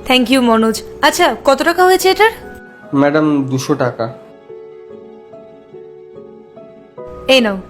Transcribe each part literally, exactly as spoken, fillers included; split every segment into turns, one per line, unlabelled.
Thank you Manoj. আচ্ছা কত টাকা হয়েছে এটার?
ম্যাডাম দুশো টাকা।
এই নাও।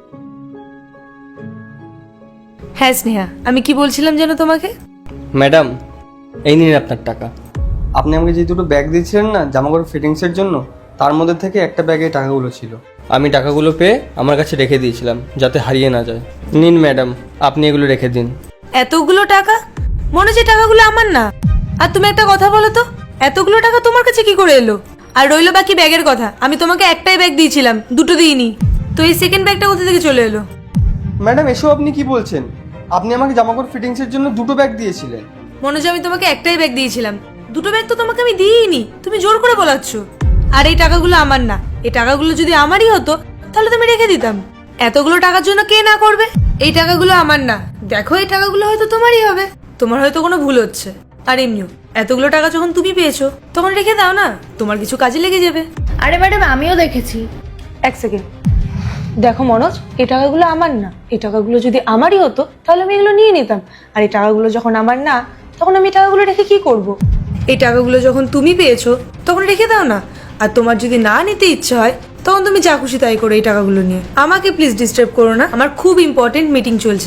হ্যাঁ স্নেহা, আমি কি বলছিলাম যেন তোমাকে?
ম্যাডাম এই নিন আপনার টাকা। আপনি আমাকে যে দুটো ব্যাগ দিয়েছিলেন না জামাকাপড় ফিটিংসের জন্য, তার মধ্যে থেকে একটা ব্যাগে টাকাগুলো ছিল। আমি টাকাগুলো পেয়ে আমার কাছে রেখে দিয়েছিলাম যাতে হারিয়ে না যায়। নিন ম্যাডাম, আপনি এগুলো রেখে দিন।
এতগুলো টাকা? মনোজ এই টাকাগুলো আমার না। আর তুমি একটা কথা বলো তো, এতগুলো টাকা তোমার কাছে কি করে এলো? আর রইলো বাকি ব্যাগের কথা, আমি তোমাকে একটাই ব্যাগ দিয়েছিলাম, দুটো দিইনি। তো এই সেকেন্ড ব্যাগটা কোথা থেকে চলে এলো?
ম্যাডাম এসব আপনি কি বলছেন? আপনি আমাকে জামাকাপড় ফিটিংসের জন্য দুটো ব্যাগ দিয়েছিলেন।
মনোজ আমি তোমাকে একটাই ব্যাগ দিয়েছিলাম, দুটো ব্যাগ তো তোমাকে আমি দিইনি, তুমি জোর করে বলাচ্ছ। আর এই টাকাগুলো আমার না, এই টাকাগুলো যদি আমারই হতো তাহলে তুমি রেখে দিতাম। এতগুলো টাকার জন্য কে না করবে? এই টাকাগুলো আমার না, দেখো এই টাকাগুলো হয়তো তোমারই হবে। তোমার হয়তো কোনো ভুল হচ্ছে। আর এমনিও এতগুলো টাকা যখন তুমি পেয়েছো তখন রেখে দাও না, তোমার কিছু কাজে লেগে যাবে।
আরে ম্যাডাম আমিও দেখেছি।
এক সেকেন্ড, দেখো মনোজ, এই টাকাগুলো আমার না, এই টাকাগুলো যদি আমারই হতো তাহলে আমি এগুলো নিয়ে নিতাম। আর এই টাকাগুলো যখন আমার না, তখন আমি এই টাকাগুলো রেখে কি করব? এই টাকাগুলো যখন তুমি পেয়েছো তখন রেখে দাও না। আর তোমার যদি না নিতে ইচ্ছে হয় তখন তুমি যা খুশি তাই করো এই টাকাগুলো নিয়ে। আমাকে প্লিজ ডিস্টার্ব করো না, আমার খুব ইম্পর্টেন্ট মিটিং চলছে।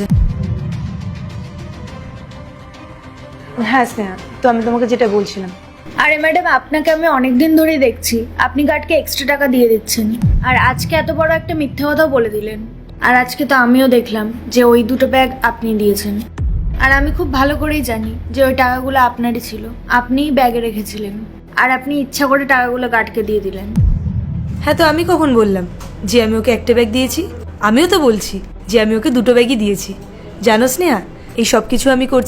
হ্যাঁ স্নেহা, তো আমি তোমাকে যেটা বলছিলাম।
আরে ম্যাডাম আপনাকে আমি অনেকদিন ধরেই দেখছি, আপনি গার্ডকে এক্সট্রা টাকা দিয়ে দিচ্ছেন, আর আজকে এত বড় একটা মিথ্যে কথাও বলে দিলেন। আর আজকে তো আমিও দেখলাম যে ওই দুটো ব্যাগ আপনি দিয়েছেন। আর আমি খুব ভালো করেই জানি যে ওই টাকাগুলো আপনারই ছিল, আপনিই ব্যাগে রেখেছিলেন। আর আপনি ইচ্ছা করে টাকাগুলো গার্ডকে দিয়ে দিলেন।
হ্যাঁ, তো আমি কখন বললাম যে আমি ওকে একটা ব্যাগ দিয়েছি? আমিও তো বলছি যে আমি ওকে দুটো ব্যাগই দিয়েছি। জানো স্নেহা, এই সব কিছু আমি করছি